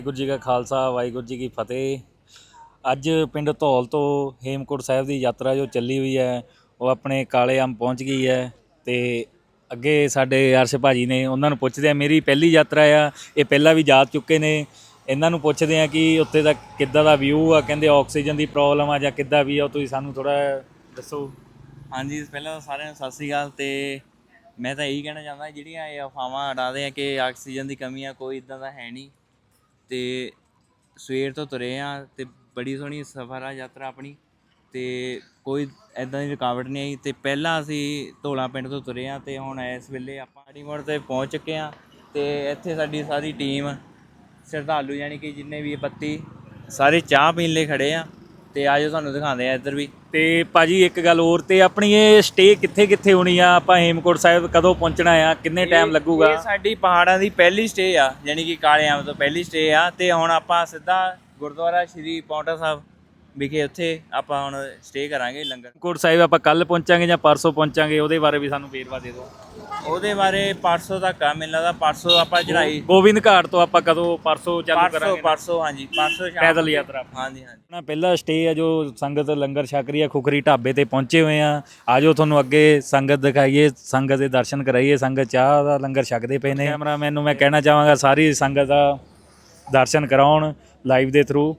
ਵਾਹਿਗੁਰੂ ਜੀ ਕਾ ਖਾਲਸਾ ਵਾਹਿਗੁਰੂ ਜੀ ਕੀ ਫਤਿਹ। ਅੱਜ ਪਿੰਡ ਧੌਲ ਤੋਂ ਹੇਮਕੁੰਟ ਸਾਹਿਬ ਦੀ ਯਾਤਰਾ ਜੋ ਚੱਲੀ ਹੋਈ ਹੈ ਉਹ ਆਪਣੇ ਕਾਲੇ ਅੰਬ ਪਹੁੰਚ ਗਈ ਹੈ। ਅਤੇ ਅੱਗੇ ਸਾਡੇ ਅਰਸ਼ ਭਾਜੀ ਨੇ, ਉਹਨਾਂ ਨੂੰ ਪੁੱਛਦੇ ਆ, ਮੇਰੀ ਪਹਿਲੀ ਯਾਤਰਾ ਆ, ਇਹ ਪਹਿਲਾਂ ਵੀ ਜਾ ਚੁੱਕੇ ਨੇ। ਇਹਨਾਂ ਨੂੰ ਪੁੱਛਦੇ ਆ ਕਿ ਉੱਥੇ ਦਾ ਕਿੱਦਾਂ ਦਾ ਵਿਊ ਆ। ਕਹਿੰਦੇ ਆਕਸੀਜਨ ਦੀ ਪ੍ਰੋਬਲਮ ਆ ਜਾਂ ਕਿੱਦਾਂ ਵੀ ਆ, ਤੁਸੀਂ ਸਾਨੂੰ ਥੋੜ੍ਹਾ ਦੱਸੋ। ਹਾਂਜੀ, ਪਹਿਲਾਂ ਤਾਂ ਸਾਰਿਆਂ ਨੂੰ ਸਤਿ ਸ਼੍ਰੀ ਅਕਾਲ। ਅਤੇ ਮੈਂ ਤਾਂ ਇਹੀ ਕਹਿਣਾ ਚਾਹੁੰਦਾ, ਜਿਹੜੀਆਂ ਇਹ ਅਫਵਾਹਾਂ ਉਡਾਉਂਦੇ ਆ ਕਿ ਆਕਸੀਜਨ ਦੀ ਕਮੀ ਆ, ਕੋਈ ਇੱਦਾਂ ਦਾ ਹੈ ਨਹੀਂ। ਅਤੇ ਸਵੇਰ ਤੋਂ ਤੁਰੇ ਆ ਅਤੇ ਬੜੀ ਸੋਹਣੀ ਸਫ਼ਰ ਆ ਯਾਤਰਾ ਆਪਣੀ, ਅਤੇ ਕੋਈ ਇੱਦਾਂ ਦੀ ਰੁਕਾਵਟ ਨਹੀਂ ਆਈ। ਅਤੇ ਪਹਿਲਾਂ ਅਸੀਂ ਧੌਲਾ ਪਿੰਡ ਤੋਂ ਤੁਰੇ ਹਾਂ ਅਤੇ ਹੁਣ ਇਸ ਵੇਲੇ ਆਪਾਂ ਆੜੀਮੋੜ 'ਤੇ ਪਹੁੰਚ ਚੁੱਕੇ ਹਾਂ। ਅਤੇ ਇੱਥੇ ਸਾਡੀ ਸਾਰੀ ਟੀਮ ਸ਼ਰਧਾਲੂ ਯਾਨੀ ਕਿ ਜਿੰਨੇ ਵੀ ਬੱਤੀ ਸਾਰੇ ਚਾਹ ਪੀਣ ਲਈ ਖੜ੍ਹੇ ਆ। ਅਤੇ ਆਜੋ ਤੁਹਾਨੂੰ ਦਿਖਾਉਂਦੇ ਆ ਇੱਧਰ ਵੀ। ਅਤੇ ਭਾਜੀ ਇੱਕ ਗੱਲ ਹੋਰ, ਅਤੇ ਆਪਣੀ ਇਹ ਸਟੇ ਕਿੱਥੇ ਕਿੱਥੇ ਹੋਣੀ ਆ? ਆਪਾਂ ਹੇਮਕੁੰਟ ਸਾਹਿਬ ਕਦੋਂ ਪਹੁੰਚਣਾ ਆ? ਕਿੰਨੇ ਟਾਈਮ ਲੱਗੂਗਾ? ਇਹ ਸਾਡੀ ਪਹਾੜਾਂ ਦੀ ਪਹਿਲੀ ਸਟੇ ਆ, ਯਾਨੀ ਕਿ ਕਾਲੇ ਅੰਬ ਤੋਂ ਪਹਿਲੀ ਸਟੇ ਆ। ਅਤੇ ਹੁਣ ਆਪਾਂ ਸਿੱਧਾ ਗੁਰਦੁਆਰਾ ਸ਼੍ਰੀ ਪਾਉਂਟਾ ਸਾਹਿਬ ਵਿਖੇ ਉੱਥੇ ਆਪਾਂ ਹੁਣ ਸਟੇ ਕਰਾਂਗੇ ਲੰਗਰ। ਹੇਮਕੁੰਟ ਸਾਹਿਬ ਆਪਾਂ ਕੱਲ੍ਹ ਪਹੁੰਚਾਂਗੇ ਜਾਂ ਪਰਸੋਂ ਪਹੁੰਚਾਂਗੇ? ਉਹਦੇ ਬਾਰੇ ਵੀ ਸਾਨੂੰ ਵੇਰਵਾ ਦੇ ਦਿਓ। ਉਹਦੇ ਬਾਰੇ ਪਰਸੋਂ ਤੱਕ ਆ, ਮੈਨੂੰ ਲੱਗਦਾ ਪਰਸੋਂ ਆਪਾਂ ਚੜ੍ਹਾਈ ਗੋਬਿੰਦ ਘਾਟ ਤੋਂ ਆਪਾਂ ਕਦੋਂ ਪਰਸੋਂ ਚਾਲੂ ਕਰਾਂਗੇ? ਪਰਸੋਂ ਹਾਂਜੀ, ਪਰਸੋਂ ਸ਼ਾਮ ਪੈਦਲ ਯਾਤਰਾ। ਹਾਂਜੀ ਹਾਂਜੀ। ਆਪਣਾ ਪਹਿਲਾ ਸਟੇ ਆ ਜੋ ਸੰਗਤ ਲੰਗਰ ਛਕ ਰਹੀ ਆ, ਖੁਖਰੀ ਢਾਬੇ ਤੇ ਪਹੁੰਚੇ ਹੋਏ ਆ। ਆਜੋ ਤੁਹਾਨੂੰ ਅੱਗੇ ਸੰਗਤ ਦਿਖਾਈਏ, ਸੰਗਤ ਦੇ ਦਰਸ਼ਨ ਕਰਾਈਏ। ਸੰਗਤ ਚਾਹ ਦਾ ਲੰਗਰ ਛਕਦੇ ਪਏ ਨੇ। ਕੈਮਰਾਮੈਨ ਨੂੰ ਮੈਂ ਕਹਿਣਾ ਚਾਹਾਂਗਾ ਸਾਰੀ ਸੰਗਤ ਦਾ ਦਰਸ਼ਨ ਕਰਾਉਣ ਲਾਈਵ ਦੇ ਥਰੂ।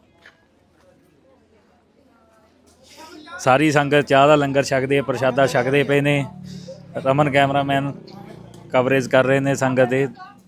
ਸਾਰੀ ਸੰਗਤ ਚਾਹ ਦਾ ਲੰਗਰ ਛਕਦੇ, ਪ੍ਰਸ਼ਾਦਾ ਛਕਦੇ ਪਏ ਨੇ। ਰਮਨ ਕੈਮਰਾਮੈਨ ਕਵਰੇਜ ਕਰ ਰਹੇ ਨੇ ਸੰਗਤ ਦੇ।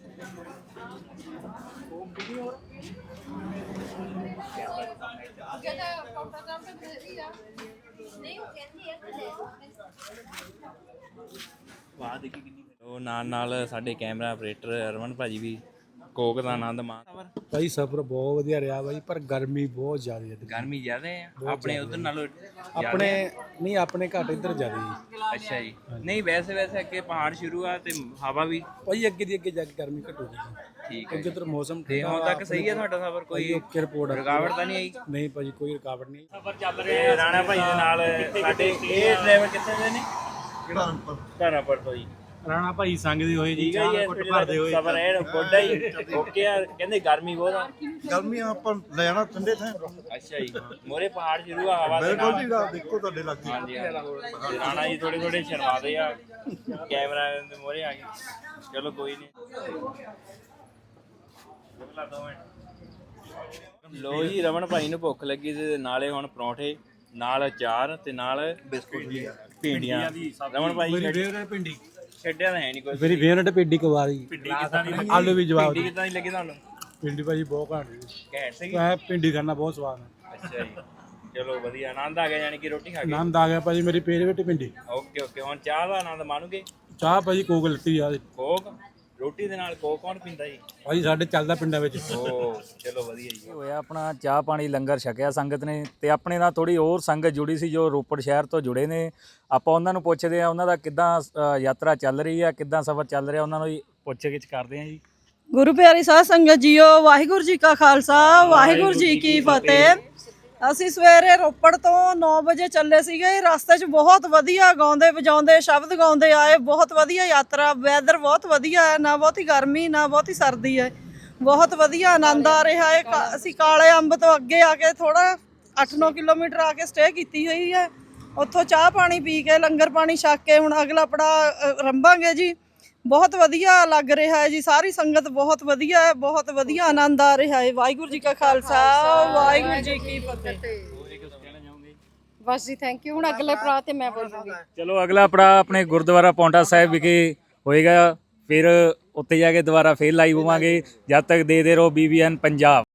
ਉਹ ਨਾਲ ਸਾਡੇ ਕੈਮਰਾ ਆਪਰੇਟਰ ਰਮਨ ਭਾਜੀ ਵੀ ਕੋਕ ਦਾ ਆਨੰਦ ਮਾਣ। ਭਾਈ ਸਫ਼ਰ ਬਹੁਤ ਵਧੀਆ ਰਿਹਾ ਬਾਈ, ਪਰ ਗਰਮੀ ਬਹੁਤ ਜ਼ਿਆਦਾ ਹੈ। ਗਰਮੀ ਜ਼ਿਆਦਾ ਆ ਆਪਣੇ ਉਧਰ ਨਾਲੋਂ? ਆਪਣੇ ਨਹੀਂ, ਆਪਣੇ ਘੱਟ ਇੱਧਰ ਜ਼ਿਆਦਾ ਜੀ। ਅੱਛਾ ਜੀ। ਨਹੀਂ ਵੈਸੇ ਅੱਗੇ ਪਹਾੜ ਸ਼ੁਰੂ ਆ ਤੇ ਹਵਾ ਵੀ ਭਾਈ ਅੱਗੇ ਦੀ ਅੱਗੇ ਜਾ ਕੇ ਗਰਮੀ ਘਟੂਗੀ। ਠੀਕ ਹੈ। ਜਿੱਧਰ ਮੌਸਮ ਤੇ ਹੁਣ ਤੱਕ ਸਹੀ ਹੈ ਤੁਹਾਡਾ ਸਫ਼ਰ? ਕੋਈ ਓਕੇ ਰਿਪੋਰਟ ਰੁਕਾਵਟ ਤਾਂ ਨਹੀਂ ਆਈ? ਨਹੀਂ ਭਾਜੀ, ਕੋਈ ਰੁਕਾਵਟ ਨਹੀਂ। ਸਫ਼ਰ ਚੱਲ ਰਿਹਾ ਰਾਣਾ ਭਾਈ ਦੇ ਨਾਲ। ਸਾਡੇ ਇਹ ਡਰਾਈਵਰ ਕਿੱਥੇ ਦੇ ਨੇ? ਧਰਮਪੁਰ ਤੋਂ ਜੀ। ਰਾਣਾ ਭਾਈ ਸੰਗ ਦੀ ਹੋਏ ਜੀ, ਠੀਕ ਹੈ ਜੀ। ਭਰਦੇ ਹੋਏ ਸਫ਼ਰ ਐਨ ਗੋਡਾ ਹੀ ਓਕੇ ਆ। ਕਹਿੰਦੇ ਗਰਮੀ ਬਹੁਤ ਆ। ਗਰਮੀ ਆਪਾਂ ਲੈ ਜਾਣਾ ਠੰਡੇ ਥਾਂ। ਅੱਛਾ ਜੀ। ਮੋਰੇ ਪਹਾੜ ਸ਼ੁਰੂ ਆ, ਹਵਾ ਦੇ ਬਿਲਕੁਲ ਨਾਲ। ਜੀ, ਰਾਤ ਦੇਖੋ ਤੁਹਾਡੇ ਲੱਗੀ। ਹਾਂਜੀ ਤੇ ਰਾਣਾ ਜੀ ਥੋੜੇ ਸ਼ਰਮਾਦੇ ਆ, ਕੈਮਰਾ ਦੇ ਮੋਰੇ ਆ ਗਏ। ਚਲੋ ਕੋਈ ਨਹੀਂ। ਲੋ ਜੀ, ਰਮਨ ਭਾਈ ਨੂੰ ਭੁੱਖ ਲੱਗੀ ਤੇ ਨਾਲੇ ਹੁਣ ਪਰੌਂਠੇ ਨਾਲ ਅਚਾਰ ਤੇ ਨਾਲ ਬਿਸਕੁਟ ਜੀ, ਭਿੰਡੀਆਂ। ਰਮਨ ਭਾਈ ਭਿੰਡੀ ਛੱਡਿਆ ਤਾਂ ਹੈ ਨਹੀਂ ਕੁਝ। ਮੇਰੀ ਫੇਵਰਟ ਭਿੰਡੀ ਕਵਾਰੀ। ਭਿੰਡੀ ਕਿੱਦਾਂ ਦੀ? ਆਲੂ ਵੀ ਜਵਾਬ ਭਿੰਡੀ ਕਿੱਦਾਂ ਦੀ ਲੱਗੀ ਤੁਹਾਨੂੰ? ਭਿੰਡੀ ਭਾਜੀ ਬਹੁਤ ਘੈਂਟ ਘੈਂਟ ਸੀਗੀ। ਹੈ। ਭਿੰਡੀ ਖਾਣਾ ਬਹੁਤ ਸਵਾਦ ਹੈ। ਅੱਛਾ ਜੀ, ਚਲੋ ਵਧੀਆ, ਆਨੰਦ ਆ ਗਿਆ ਯਾਨੀ ਕਿ ਰੋਟੀ ਖਾ ਕੇ। ਆਨੰਦ ਆ ਗਿਆ ਭਾਜੀ, ਮੇਰੀ ਫੇਵਰਟ ਭਿੰਡੀ। ਓਕੇ। ਹੁਣ ਚਾਹ ਦਾ ਆਨੰਦ ਮਾਣੋਗੇ? ਚਾਹ ਭਾਜੀ ਕੋਕ ਲੱਤੀ ਆ। ਕੋਕ ਰੋਟੀ ਦੇ ਨਾਲ ਕੋਕ ਕੌਣ ਪੀਂਦਾ ਜੀ? ਭਾਜੀ ਸਾਡੇ ਚੱਲਦਾ ਪਿੰਡਾਂ ਵਿੱਚ। ਓ ਚਲੋ ਵਧੀਆ ਜੀ। ਹੋਇਆ ਆਪਣਾ ਚਾਹ ਪਾਣੀ ਲੰਗਰ ਛਕਿਆ ਸੰਗਤ ਨੇ। ਤੇ ਆਪਣੇ ਨਾਲ ਥੋੜੀ ਹੋਰ ਸੰਗਤ ਜੁੜੀ ਸੀ ਜੋ ਰੋਪੜ ਸ਼ਹਿਰ ਤੋਂ ਜੁੜੇ ਨੇ। ਆਪਾਂ ਉਹਨਾਂ ਨੂੰ ਪੁੱਛਦੇ ਆ ਉਹਨਾਂ ਦਾ ਕਿੱਦਾਂ ਯਾਤਰਾ ਚੱਲ ਰਹੀ ਆ, ਕਿੱਦਾਂ ਸਫ਼ਰ ਚੱਲ ਰਿਹਾ, ਉਹਨਾਂ ਨੂੰ ਹੀ ਪੁੱਛ ਗਿੱਛ ਕਰਦੇ ਆ ਜੀ। ਗੁਰੂ ਪਿਆਰੀ ਸਾਧ ਸੰਗਤ ਜੀਓ, ਵਾਹਿਗੁਰੂ ਜੀ ਕਾ ਖਾਲਸਾ ਵਾਹਿਗੁਰੂ ਜੀ ਕੀ ਫਤਿਹ। ਅਸੀਂ ਸਵੇਰੇ ਰੋਪੜ ਤੋਂ 9 ਵਜੇ ਚੱਲੇ ਸੀਗੇ। ਰਸਤੇ 'ਚ ਬਹੁਤ ਵਧੀਆ ਗਾਉਂਦੇ ਵਜਾਉਂਦੇ ਸ਼ਬਦ ਗਾਉਂਦੇ ਆਏ। ਬਹੁਤ ਵਧੀਆ ਯਾਤਰਾ, ਵੈਦਰ ਬਹੁਤ ਵਧੀਆ ਹੈ, ਨਾ ਬਹੁਤੀ ਗਰਮੀ ਨਾ ਬਹੁਤੀ ਸਰਦੀ ਹੈ। ਬਹੁਤ ਵਧੀਆ ਆਨੰਦ ਆ ਰਿਹਾ ਹੈ। ਅਸੀਂ ਕਾਲੇ ਅੰਬ ਤੋਂ ਅੱਗੇ ਆ ਕੇ ਥੋੜਾ 8-9 ਕਿਲੋਮੀਟਰ ਆ ਕੇ ਸਟੇ ਕੀਤੀ ਹੋਈ ਹੈ। ਉੱਥੋਂ ਚਾਹ ਪਾਣੀ ਪੀ ਕੇ ਲੰਗਰ ਪਾਣੀ ਛਕ ਕੇ ਹੁਣ ਅਗਲਾ ਪੜਾਅ ਰੰਭਾਂਗੇ ਜੀ। ਬਹੁਤ ਵਧੀਆ ਲੱਗ ਰਿਹਾ ਹੈ ਜੀ। ਸਾਰੀ ਸੰਗਤ ਬਹੁਤ ਵਧੀਆ ਹੈ, ਬਹੁਤ ਵਧੀਆ ਆਨੰਦ ਆ ਰਿਹਾ ਹੈ। ਵਾਹਿਗੁਰੂ ਜੀ ਕਾ ਖਾਲਸਾ ਵਾਹਿਗੁਰੂ ਜੀ ਕੀ ਫਤਿਹ। ਬਸ ਜੀ, ਥੈਂਕ ਯੂ। ਹੁਣ ਅਗਲੇ ਪੜਾਅ ਤੇ ਮੈਂ ਬੋਲੂੰਗੀ। ਚਲੋ ਅਗਲਾ ਪੜਾਅ ਆਪਣੇ ਗੁਰਦੁਆਰਾ ਪਾਉਂਟਾ ਸਾਹਿਬ ਵਿਖੇ ਹੋਏਗਾ। ਫਿਰ ਉੱਥੇ ਜਾ ਕੇ ਦੁਬਾਰਾ ਫੇਰ ਲਾਈਵ ਹੋਵਾਂਗੇ। ਜਦ ਤੱਕ ਦੇਖਦੇ ਰਹੋ BBN ਪੰਜਾਬ।